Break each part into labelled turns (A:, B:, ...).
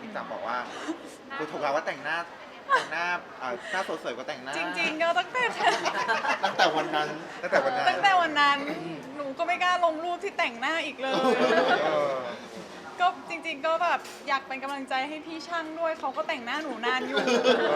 A: พี่จักรบอกว่าคุณถูกเราว่าแต่งหน้าหน้าสวยกว่าแต่งหน้า
B: จริงๆก็ตั้งแต่
A: ตั้งแต่วันนั้นตั้งแต่วันนั้น
B: ตั้งแต่วันนั้นหนูก็ไม่กล้าลงรูปที่แต่งหน้าอีกเลย ก็จริงๆก็แบบอยากเป็นกำลังใจให้พี่ช่างด้วยเขาก็แต่งหน้าหนูนานอยู่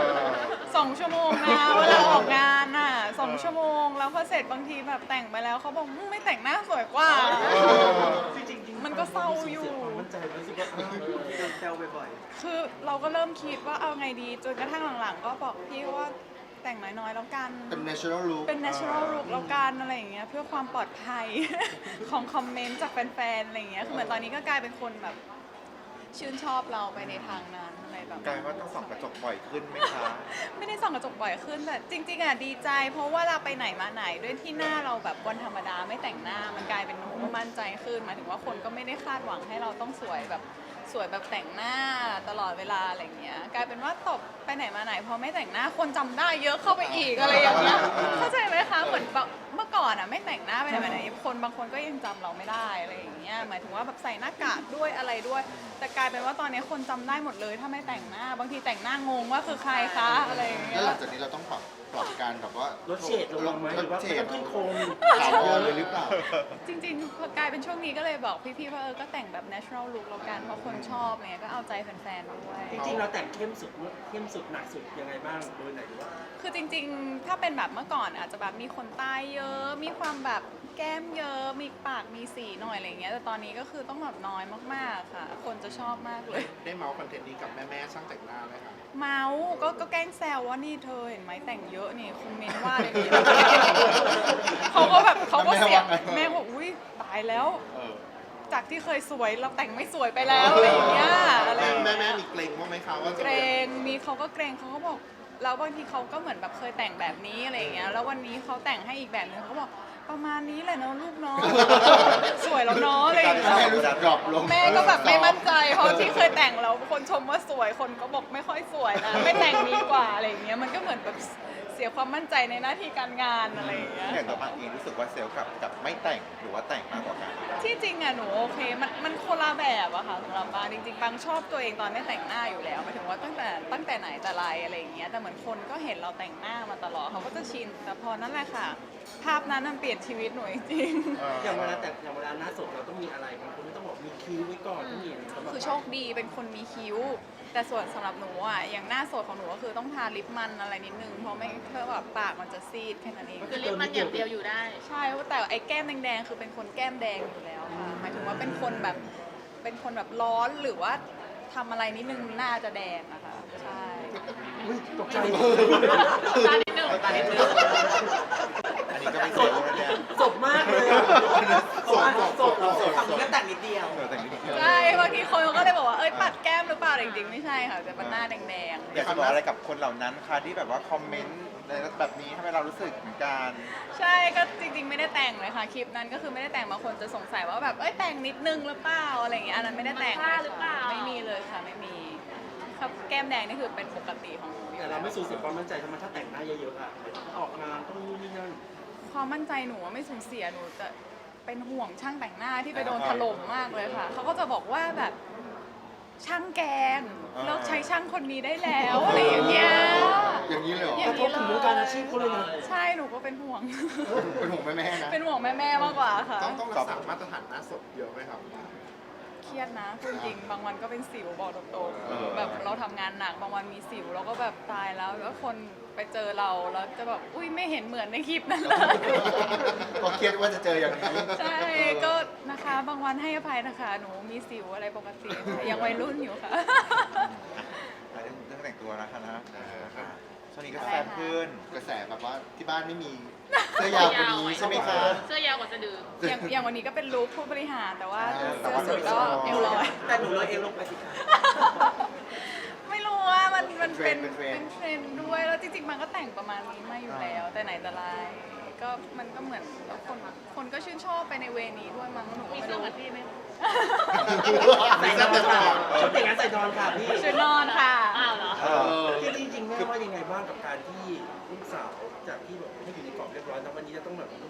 B: 2 ชั่วโมงนะเวลาออกงานน่ะ2 ชั่วโมงแล้วพอเสร็จบางทีแบบแต่งไปแล้วเขาบอกไม่แต่งหน้าสวยกว่ามันก็เศร้าอยู่
C: มั่นใจรู้สึกว่าที่โดนแซวบ่อย
B: คือเราก็เริ่มคิดว่าเอาไงดีจนกระทั่งหลังๆก็บอกพี่ว่าแต่งน้อยๆแล้วกัน
A: เป็น natural look
B: เป็น natural look แล้วกันอะไรอย่างเงี้ยเพื่อความปลอดภัย ของคอมเมนต์จากแฟนๆอะไรอย่างเงี้ยคือเหมือนตอนนี้ก็กลายเป็นคนแบบชื่นชอบเราไปในทางนั้นอะไรแบบ
A: กลายว่าต้องส่องกระจกบ่อยขึ้นไหมคะ
B: ไม่ได้ส่องกระจกบ่อยขึ้นแต่จริงๆอ่ะดีใจเพราะว่าเราไปไหนมาไหนด้วยที่หน้าเราแบบวันธรรมดาไม่แต่งหน้ามันกลายเป็นหนูก็มั่นใจขึ้นหมายถึงว่าคนก็ไม่ได้คาดหวังให้เราต้องสวยแบบแต่งหน้าตลอดเวลาอะไรเงี้ยกลายเป็นว่าตบไปไหนมาไหนพอไม่แต่งหน้าคนจำได้เยอะเข้าไปอีกอะไรอย่างเงี้ยเข้าใจไหมคะเหมือนแบบเมื่อก่อนอ่ะไม่แต่งหน้าไปไหนมาไหนคนบางคนก็ยังจำเราไม่ได้อะไรอย่างเงี้ยหมายถึงว่าแบบใส่หน้ากากด้วยอะไรด้วยแต่กลายเป็นว่าตอนนี้คนจำได้หมดเลยถ้าไม่แต่งหน้าบางทีแต่งหน้างงว่าคือใครคะอะไรอย่างเงี้
A: แล้
B: ยว
A: หลังจากนี้เราต้องปรับการแบบว่า
C: ลดเฉดลงไหมหรือว่าไม่ต้องขึ้นโคม
A: ขาวเลยหรือเปล่า
B: จริงๆพอกลายเป็นช่วงนี้ก็เลยบอกพี่ๆว่าก็แต่งแบบ natural look แล้วกันเพราะคนชอบเนี่ยก็เอาใจแฟนๆด้วย
C: จริงๆเราแต่งเข้มสุดหนักสุดยังไงบ้างโดยไหนหรือว่า
B: คือจริงๆ ถ้าเป็นแบบเมื่อก่อนอาจจะแบบมีขนตาเยอะ มีความแบบแก้มเยอะ มีปากมีสีหน่อยอะไรเงี้ย แต่ตอนนี้ก็คือต้องแบบน้อยมากๆค่ะ คนจะชอบมากเลย
A: ได้เมาส์คอนเทนต์นี้กับแม่ๆช่างแต่งหน้าไหมคะ
B: เมาส์ก็แกล้งแซวว่านี่เธอเห็นไหมแต่งเยอะนี่คอมเมนต์ว่าอะไรอย่างเงี้ยเขาก็แบบเขาก็เสียงแม่บอกอุ้ยตายแล้ว จากที่เคยสวยเราแต่งไม่สวยไปแล้วอะไรอย่างเงี้ยอะไรอย่างเงี้ย
A: แม่มีเกรงบ้างไหมคะว่า
B: เกรงมีเขาก็เกรงเขาก็บอกแล้วบางทีเขาก็เหมือนแบบเคยแต่งแบบนี้อะไรอย่างเงี้ยแล้ววันนี้เขาแต่งให้อีกแบบนึงเขาบอกประมาณนี้แหละเนาะลูกเนาะ สวยแล้วเนาะอะไรอย่างเงี้ย
A: แม่รู้สึกดรอปลง
B: แม่ก็แบบไม่มั่นใจเพราะที่เคยแต่งแล้วคนชมว่าสวยคนก็บอกไม่ค่อยสวยนะไม่แต่งดีกว่าอะไรอย่างเงี้ยมันก็เหมือนแบบเสียความมั่นใจในหน้าที่การงานอะไรอย่างเงี้ย
A: อย่างตัวบางเองรู้สึกว่าเซลล์กับไม่แต่งหรือว่าแต่งมากกว่ากัน
B: ที่จริงอะหนูโอเคมันคนละแบบอะค่ะสำหรับบางจริงๆบางชอบตัวเองตอนไม่แต่งหน้าอยู่แล้วหมายถึงว่าตั้งแต่ไหนแต่ไรอะไรอย่างเงี้ยแต่เหมือนคนก็เห็นเราแต่งหน้ามาตลอดเขาก็จะชินแต่พอนั่นแหละค่ะ ภาพนั้นมันเปลี่ยนชีวิตหนูจริงๆ
C: อย่างเวลาแต่งอย่างเวลาหน้าสดเราต้องมีอะไรบางคนต้องบอกมีคิ้วไว้ก่อนต้องมีอะไรสำหรับ
B: คือโชคดีเป็นคนมีคิ้ว แต่ส่วนสำหรับหนูอ่ะอย่างหน้าสดของหนูก็คือต้องทาลิปมันอะไรนิดนึงเพราะไม่เพื่อแบบปากมันจะซีดแค่นั้นเอง
D: คือลิปมันอย่างเดียวอยู่ได้
B: ใช่แต่ไอ้แก้มแดงๆคือเป็นคนแก้มแดงอยู่แล้วค่ะหมายถึงว่าเป็นคนแบบร้อนหรือว่าทำอะไรนิดนึงหน้าจะแดงนะคะใช่
C: อุ๊ยตกใจ
D: ตานิดนึงตานิดนึง
A: อันนี้ก็ไม่เซลล์แล้วเนี่ย
C: สดมากเลยอะ
A: สด
C: ทำแค่แต่งนิดเดียว
A: แต่งนิดเดียว
B: ใช่บางทีคนเขาก็เลยบอกว่าเอ้ยปัดแก้มหรือเปล่าแต่จริงๆไม่ใช่ค่ะแต่เป็นหน้าแดงๆ
A: อยากจะบอกอะไรกับคนเหล่านั้นคะที่แบบว่าคอมเมนต์ในแบบนี้ทำให้เรารู้สึกเหมือนกัน
B: ใช่ก็จริงๆไม่ได้แต่งเลยค่ะคลิปนั้นก็คือไม่ได้แต่งบางคนจะสงสัยว่าแบบเอ้ยแต่งนิดนึงหรือเปล่าอะไรอย่างเงี้ยอันนั้นไม่ได้แต่ง
D: มันพลาดหรือเปล่า
B: ไม่มีเลยค่ะไม่มีครับแก้มแดงนี่คือเป็นปกติของหนูอยู่
C: แต่เราไม่สูญเสียความมั่นใจทำไมถ้าแต่งหน้าเยอะๆอ่ะออกงานต้องนู่นนี่นั่น
B: ความมั่นใจหนูว่าไม่สูญเสียหนูจะเป็นห่วงช่างแต่งหน้าที่ไปโดนถล่มมากเลยค่ะเขาก็จะบอกว่าแบบช่างแกงเลิกใช้ช่างคนนี้ได้แล้วอะไรอย่างเงี้ย
A: อย่างนี้เลยเหรอ
B: อย่าก ง
C: ระทบถึงวงการอาชีพเขาเลยนะ
B: ใช่หนูก็เป็นห่วง
A: เป็นห่วงแม่ๆนะ
B: เป็นห่วงแม่ๆมากกว่าค่ะ
A: ต้องรักษามาตรฐานหน้าสดเยอะไหมครับ
B: เครียดนะพูดจริงบางวันก็เป็นสิวบอกตรง
A: เออ
B: ๆแบบเราทำงานหนักบางวันมีสิวเราก็แบบตายแล้วแล้วคนไปเจอเราแล้วจะแบบอุ้ยไม่เห็นเหมือนในคลิปนั้นเลย
A: ก็เครียดว่าจะเจออย่างนี้
B: ใช่ก็นะคะบางวันให้อภัยนะคะหนูมีสิวอะไรปกติค่ะยังวัยรุ่นอยู่ค่ะ
A: เรื่องแต่งตัวนะคะนะช่วงนี้ก็แซ่บขึ้นกระแสแบบว่าที่บ้านไม่มีเสื้อยาวกว่านี้ใช่ไหมคะ
D: เสื้อยาวกว่าสะดือ
B: อย่างวันนี้ก็เป็นลุคผู้บริหารแต่ว่า
A: แต่
B: เสื้อ
A: ว่า
B: สุดก็เอวลอย
C: แต่หนูเลยเองลงไปสิคะ
B: ไม่รู้ว่ามันเป็น
A: เป็นเทรนด์
B: เทรนด์ด้วยแล้วจริงๆมันก็แต่งประมาณนี้มาอยู่แล้ว แต่ไหนแต่ไรก็มันก็เหมือนแล้วคนก็ชื่นชอบไปในเวนี้ด้วยมั้งหนูก็
D: มี
B: ไม่
D: เสื้อ
B: รู้
D: เหมือนพี่ไหม
C: ใส่นอนค่ะชุดแต่งงานใส่นอนค่ะพี่
B: ชุดนอนค่ะ
D: อ้าวเหรอ
C: จริงๆแม่ว่ายังไงบ้างกับการที่ลูกสาวจากที่แบบไม่อยู่ในกรอบเรียบร้อยแล้ววันนี้จะต้องแบบ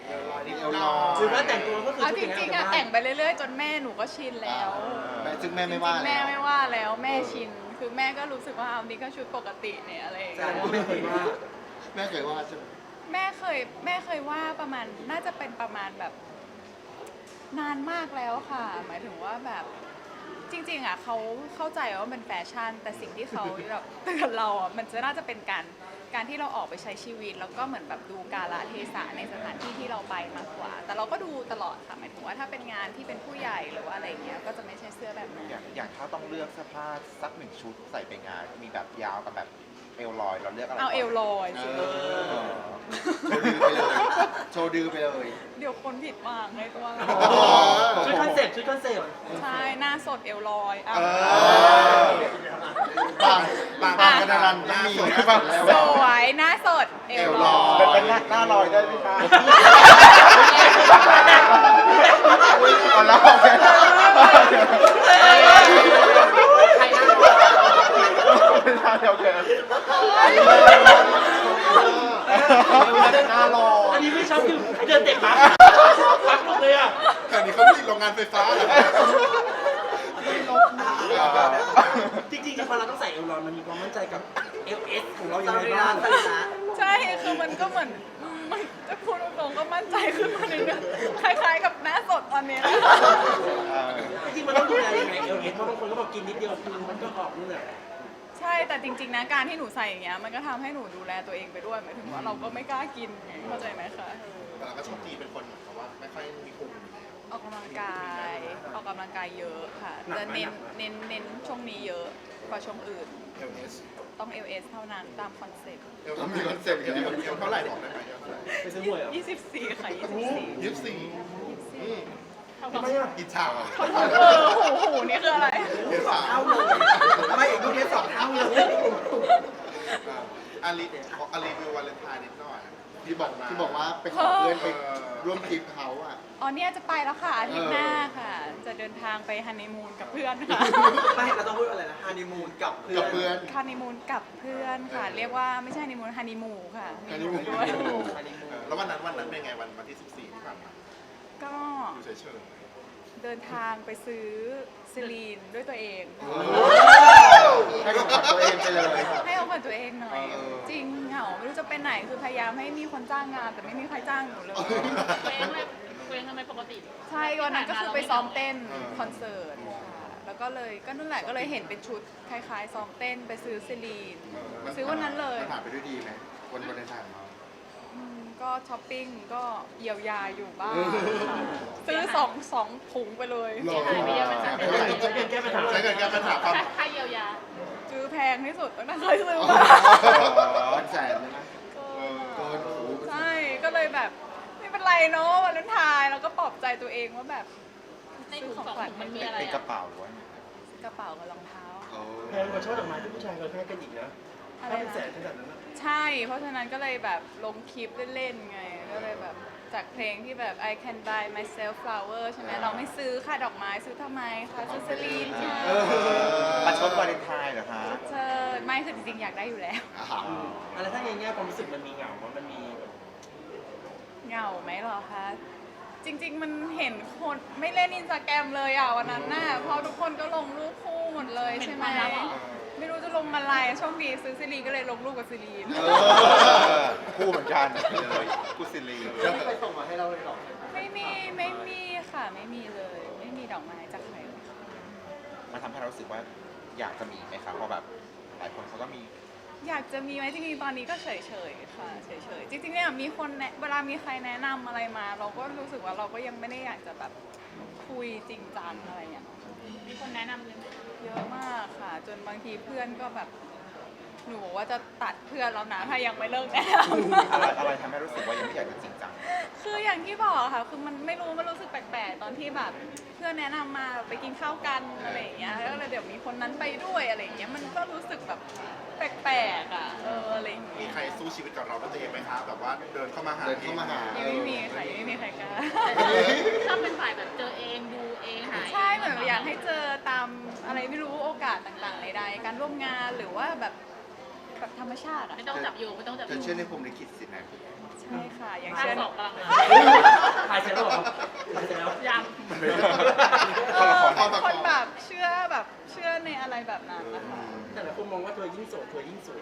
A: เอวลอย
C: หรือว่าแต่งตัวก็คือ
B: เอา
C: ชุด
B: จ
C: อย่าง
B: ริงๆ
C: นั้
B: อะ
C: น
B: แต่งไปเรื่อยๆ จนแม่หนูก็ชินแล้ว
A: ซึ่งแม่ไม่ว่า
B: จริงๆ
A: แล้
B: แม่
A: ว
B: ไม่ว่าแล้วแม่ชิน คือแม่ก็รู้สึกว่าเอานี่ก็ชุดปกติเนี่ยอะไรอย่าง
C: แส
B: เงี้
C: ด
B: ย
C: งว่าไม่เคยว่า
A: แม่เคยว่าใช่ไหม
B: แม่เคยว่าประมาณน่าจะเป็นประมาณแบบนานมากแล้วค่ะ หมายถึงว่าแบบจริงๆอะเขาเข้าใจว่ามันแฟชั่น แต่สิ่งที่เขาแบบเตือนเราอะมันจะน่าจะเป็นการที่เราออกไปใช้ชีวิต แล้วก็เหมือนแบบดูกาลเทศะในสถานที่ที่เราไปมากกว่า แต่เราก็ดูตลอดค่ะหมายถึงว่าถ้าเป็นงานที่เป็นผู้ใหญ่หรือว่าอะไรเงี้ยก็จะไม่ใช่เสื้อแบบนั้น
E: อย่างถ้าต้องเลือกเสื้อผ้าสักหนึ่งชุดใส่ไปงาน มีแบบยาวกับแบบเอวลอยเราเลือกอะไร
B: เอาเอวลอย
A: เอ
B: สิ
A: อโชว์ดื้อไปเลย
B: เดี๋ยวคนผิดหวังในตัวเรา
C: ชุดคอนเซ็ปต์ชุดคอนเซ็ปต์
B: ใช่หน้าสดเอวลอยอ่ะ
A: บางกระดานหน้าสวยแบบ
B: สวยหน้าสดเอวลอย
E: เป็นหน้าลอยได้ไหมคะ
A: เอาแล้วโอเค
D: ใครนั่ง
E: โอเค
A: หน้ารอ
C: อันนี้ไม่ชอบคือเดินเตะปั๊บปั๊บลงเลยอ่ะ
A: แต่นี้เขาผลิตโรงงานไฟฟ้าเหรอ
C: จริงๆพอเราต้องใส่เอลลอนมันมีความมั่นใจกับ LS ของเราอย่างไรบ้าง
B: ใช่คือมันก็เหมือนมันจะพูดตรงๆก็มั่นใจขึ้นมาในเรื่องคล้ายๆกับหน้าสดตอนนี้นะคะ
C: จริงๆมันต้องดูแลยังไง LS เพราะบางคนก็บอกกินนิดเดียวคือมันก็ออกนี่แหละ
B: ใช่แต่จริงๆนะการที่หนูใส่อย่างเงี้ยมันก็ทำให้หนูดูแลตัวเองไปด้วยหมายถึงว่าเราก็ไม่กล้ากินไงเข้าใจไหมคะ
A: แต่เราก็โชคดีเป็นคนเหมือนกับว่าไม่ค่อยมีภูมิ
B: ออกกำลังกายเยอะค่ะจะเน้นช่วงนี้เยอะกว่าช่วงอื่น
A: LS
B: ต้อง LS เท่านั้นตามคอนเซ็ปต์
A: ต้องมีคอนเซ็ปต์อย่างนี้เท่าไหร่บอกได้ไหม
C: ไปซื้อหวยเหรอ
B: 24 ค่ะ
A: 24
C: ทำไมอ่ะ
A: อิจฉา
B: หูนี่คืออะไร
C: เท่าเลยทำไมอีกลูกนี้2 เท่าเลย
A: อารีวิววาเลนไทน์นิดหน่อยที่บอกว่าไปขอเพื่อนไปร่วมทริปเขาอ่ะ
B: อ๋อเนี่ยจะไปแล้วค่ะอาทิตย์หน้าค่ะ จะเดินทางไปฮันนีมูนกับเพื่อนค่ะ
F: ไม่เราต้องพูดอะไรนะฮันนีมูนกับเพื่อน
A: กับเพื่อน
B: ฮันนีมูนกับเพื่อนค่ะ เรียกว่าไม่ใช่ฮันนีมูนฮันนีมูค่ะมีหนูด้วย
A: แล้ววันนั้นเป็นไงวันที่ 14 ที่ผ่านมา
B: ก็
A: อยู่เฉย
B: เดินทางไปซื้อซิลีนด้วยตัวเอง
A: ๆให้กับตัวเองไปเลย
B: ให้เอากับตัวเองหน่อย
A: เออ
B: จริงเหงาไม่รู้จะไปไหนคือพยายามให้มีคนจ้างงานแต่ไม่มีใครจ้างหนูเลย
D: เคว้งทำไมปกติ
B: ใช่วันนั้นก็คือไปซ้อมเต้นคอนเสิร์ตค่ะแล้วก็เลยก็นั่นแหละก็เลยเห็นเป็นชุดคล้ายๆซ้อมเต้นไปซื้อซิลีนซื้อวันนั้นเลย
A: ผ่านไปด้วยดีไหมวันในทางมา
B: ก็ช้อปปิ้งก็เยียวยาอยู่บ้าง
A: เออ
B: ค่ะซื้อสองถุงไปเลย
A: หล่อ
D: หายไปเยอะไหมคะ
C: แก้ปัญหา
A: ใช้เงินแก้ปัญหาความ
D: ค่าเยียวยา
B: ซื้อแพงที่สุดตั้งแต่เคยซื้อมา
A: แสนเลยนะเกินโอ้โห
B: ใช่ก็เลยแบบไม่เป็นไรเนาะวันนั้นทายแล้วก็ปลอบใจตัวเองว่าแบบ
D: ในถุงสองถุงมันมีอะไร
E: เป็นกระ
D: อ่ะ
E: เป๋าหรือว่า
B: กระเป๋ากับรองเท้า
C: แพงกว่าช่อดอกไม้ที่ผู้ชายเคยให้กันอีกนะ
B: อะไร
C: ถ้าเป็น
B: นะ
C: แสนขนาดนั้นนะ
B: ใช่ เพราะฉะนั้นก็เลยแบบลงคลิปเล่นๆไง ก็เลยแบบจากเพลงที่แบบ I can buy myself flower ใช่ไหมเราไม่ซื้อค่ะดอกไม้ซื้อทำไมคะซื้อสลีนค่ะ
E: ประชดวาเลนไทน์เหรอคะ
B: เชิญไม่คือจริงๆอยากได้อยู่แล้ว
C: อะไรถ้าในแง่ความรู้สึกมันมีเหงามันมีแบบ
B: เหงาไหมเหรอคะ จริง ๆ มันเห็นคนไม่เล่นอินสตาแกรมเลยอ่ะวันนั้นน่ะเพราะทุกคนก็ลงรูปคู่หมดเลยใช่ไหมไม่รู้จะลงอะไรโชคดีซื้อซีรีก็เลยลงรูปกับซีรี
E: คู่เหมือนกันเลยคู่ซิลี
F: ไปส่งมาให้เราเลยหรอ
B: ไม่มีค่ะไม่มีเลย ไม่มีดอกไม้จากใครเลยค่ะ
E: มันทำให้เรารู้สึกว่าอยากจะมีไหมคะเพราะแบบหลายคนเขาก็มี
B: อยากจะมีไหมจริงๆตอนนี้ก็เฉยๆค่ะเฉยๆจริงๆเนี่ยมีคนเวลามีใครแนะนำอะไรมา เราก็รู้สึกว่าเราก็ยังไม่ได้อยากจะแบบคุยจริงจังอะไรอย่างเงี้ย
D: มีคนแนะนำเลยไหม
B: เยอะมากค่ะ จนบางทีเพื่อนก็แบบหนูบอกว่าจะตัดเพื่อนแล้วนะถ้ายังไม่เลิกแนะนำ
E: อะไรทำให้รู้สึกว่ายังไม่อยากจะจริงจัง
B: คืออย่างที่บอกค่ะ คือมันไม่รู้มันรู้สึกแปลกๆ ตอนที่แบบเพื่อนแนะนำมาไปกินข้าวกันอะไรอย่างเงี้ย แล้วก็เลยเดี๋ยวมีคนนั้นไปด้วยอะไรอย่างเงี้ย มันก็รู้สึกแบบแปลกๆอ่ะ อะไรอย่าง
A: มี
B: เงี้ย
A: ใครสู้ชีวิตกับเราด้วยตัวเองไหมคะแบบว่าเดินเข้ามาหา
B: ยังไม่มีค่ะยังไม่มีใครกล้า
D: ชอบเป็นฝ่ายแบบเจอเองดูเองหาเอง
B: ใช่เหมือนอยากให้เจอตามอะไรไม่รู้โอกาสต่างๆใดๆการร่วมงานหรือว่าแบบธรรมชาติอ่ะ
D: ไม่ต้องจับโยงไม่ต้องจับ
A: เธ
D: โย
A: อง เชื่อในภูมิลิขิตสินะ
B: ใใช่ค่ะ อย่าง
D: ภาค
B: เช่น
D: สองกำลังมา
C: ถ่ายเสร็จแล้วเหรอถ่ายเสร็จแล้ว
D: ยัง
B: เป็นคนแบบเชื่อในอะไรแบบนั้นนะคะ
C: แต่ละคนมองว่าเธอยิ่งโสดเธอยิ่งสวย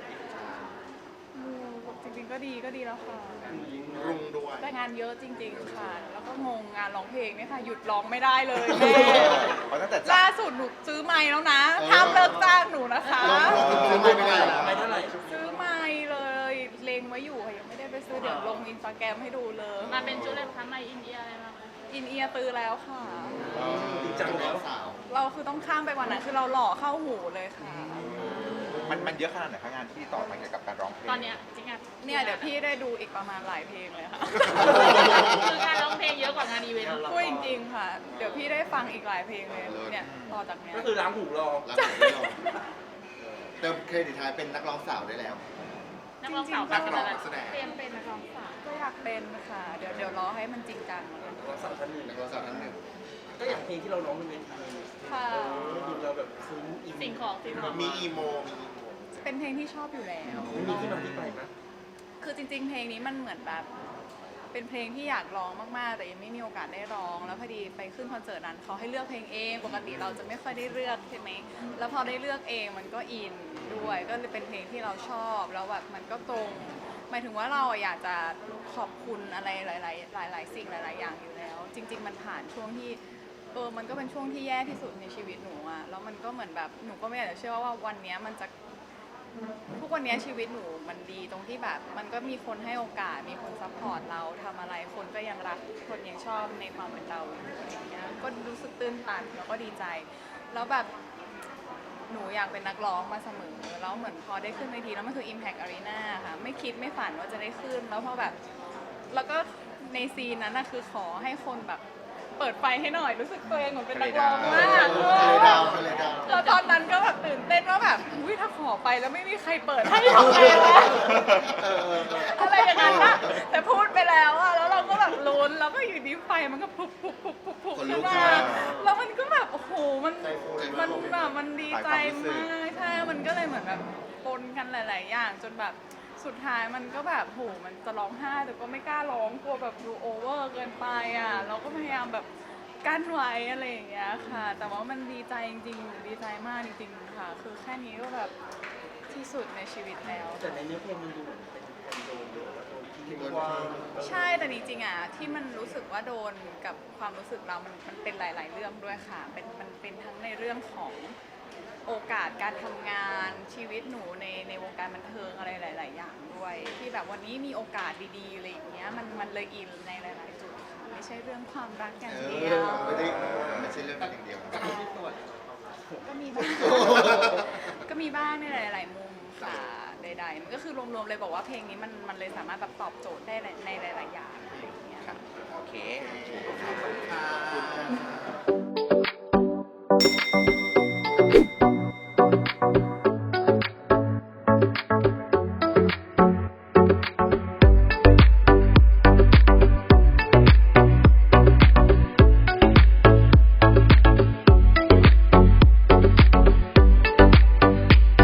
B: จริงๆก็ดีแล้วค่ะ
A: รุงด้วย
B: แต่งานเยอะจริง ๆ ค่ะ แล้วก็งงงานร้องเพลงเนี่ยค่ะ หยุดร้องไม่ได้เลยแม่
E: เพราะตั้งแต่
B: ล่าสุดหนูซื้อไมค์แล้วนะห้ามเลิกจ้างหนูนะคะ
A: ซื้อไม่ได้แล้ว
C: ไม่เท่าไหร่
B: ซื้อไมค์เลยเลงไว้อยู่ค่ะยังไม่ได้ไปซื้อเดี๋ยวลงอินสตาแกรมให้ดูเลย
D: มาเป็นชุดอะไรคะมาอินเดียอะไรมาไหม
B: อินเอียร์ตื้อแล้วค่ะ
C: จริงจังแล้ว
A: สาว
B: เราคือต้องข้ามไปกว่านั้นคือเราหล่อเข้าหูเลยค่ะ
E: มันเยอะขนาดไหนคะงานที่ต่อมาเกี่ยวกับการร้องเพลง
D: ตอนเนี้ยจริงอ่ะ
B: เนี่ยเดี๋ยวพี่ได้ดูอีกประมาณหลายเพลงเลยค่ะ
D: คือการร้องเพลงเยอะกว่างานอีเวนต์
B: พูดจริงๆค่ะ เดี๋ยวพี่ได้ฟังอีกหลายเพลงเลยเนี่ยต่อจากเนี้ย
C: ก็คือล้างหูรอ
A: รับไม่รอเติมเครดิตท้ายเป็นนักร้องสาวได้แล้ว
D: นักร้องสาว
A: นักร้องนักแสดง
D: เป็นนักร้องสาว
B: ก็อยากเป็นค่ะ เดี๋ยวรอให้มันจริงจังก่อน
C: เราสาวท่านหนึ่ง
A: นักร้องสาวท่านหนึ่ง
C: ก็อย่างเพลงที่เราร้องบนเวที
B: ค่ะ
C: ดูเราแบบซึ้งอิน
D: สิ่งของที่เรา
A: มีอีโมมีอีโม
B: เป็นเพลงที่ชอบอยู่แล้ว
C: มีที่มาที่ไปไหม
B: คือจริงๆ เพลงนี้มันเหมือนแบบ เป็นเพลงที่อยากร้องมากๆ แต่ยังไม่มีโอกาสได้ร้อง แล้วพอดีไปขึ้นคอนเสิร์ตนั้นเขาให้เลือกเพลงเอง ปกติเราจะไม่ค่อยได้เลือกใช่ไหม แล้วพอได้เลือกเองมันก็อินด้วย ก็เลยเป็นเพลงที่เราชอบ แล้วแบบมันก็ตรง หมายถึงว่าเราอยากจะขอบคุณอะไรหลายๆสิ่งหลาย ๆ อย่างอยู่แล้ว จริง ๆ มันผ่านช่วงที่ มันก็เป็นช่วงที่แย่ที่สุดในชีวิตหนูอะแล้วมันก็เหมือนแบบหนูก็ไม่อยากจะเชื่อว่าวันเนี้ยมันจะทุกวันเนี้ยชีวิตหนูมันดีตรงที่แบบ มันก็มีคนให้โอกาสมีคนซัพพอร์ตเราทำอะไรคนก็ยังรักคนยังชอบในความเป็นเราอยู่อะไรอย่างเงี้ยก็รู้สึกตื้นตันแล้วก็ดีใจ แล้วแบบหนูอยากเป็นนักร้องมาเสมอแล้วเหมือนพอได้ขึ้นเวทีแล้วมันคือ Impact Arena ค่ะไม่คิดไม่ฝันว่าจะได้ขึ้นแล้วพอแบบแล้วก็ในซีนนั้นนะคือขอให้คนแบบเปิดไฟให้หน่อยรู้สึกตัวเองเหมือนเป็นนักร้องมาก
A: ทะเลดาวทะเลดาว
B: แล้วตอนนั้นก็แบบตื่นเต้นว่าแบบอุ้ยถ้าขอไปแล้วไม่มีใครเปิดให้ทำไงวะอะไรอย่างนั้นนะแต่พูดไปแล้วอะแล้วเราก็แบบลุ้นแล้วก็อยู่ดีไฟมันก็พุบขึ้นมาแล้วมันก็แบบโอ้โหมันแบบมันดีใจมากใช่มันก็เลยเหมือนแบบปนกันหลาย ๆ อย่างจนแบบสุดท้ายมันก็แบบโหมันจะร้องไห้แต่ก็ไม่กล้าร้องกลัวแบบดูโอเวอร์เกินไปอ่ะเราก็พยายามแบบกั้นไว้อะไรอย่างเงี้ยค่ะ แต่ว่ามันดีใจจริงๆดีใจมากจริงๆค่ะ คือแค่นี้ก็แบบที่สุดในชีวิตแล้ว
C: แต่ในเนื้อเพลงมันดูเหมือนเป็นคนโดนทิ้งกว้าง
B: ใช่แต่จริงๆอ่ะที่มันรู้สึกว่าโดนกับความรู้สึกเรามันเป็นหลาย ๆ เรื่องด้วยค่ะมันเป็นทั้งในเรื่องของโอกาสการทำงานชีวิตหนูในวงการบันเทิงอะไรหลาย ๆ อย่างด้วย ที่แบบวันนี้มีโอกาสดีๆอะไรอย่างเงี้ยมันเลยอินในหลาย ๆ จุดค่ะไม่ใช่เรื่องความรักอย่างเดียว
A: ไม่ใช่เรื่องนั้นอย่างเดียว
B: ก็มีบ้างก็มีบ้างในหลาย ๆ มุมค่ะใด ๆ มันก็คือรวม ๆ เลยบอกว่าเพลงนี้มันเลยสามารถแบบตอบโจทย์ได้ในหลาย ๆ อย่างอะไรอย่างเงี้ย
E: โอเค
A: ขอบคุณค่ะ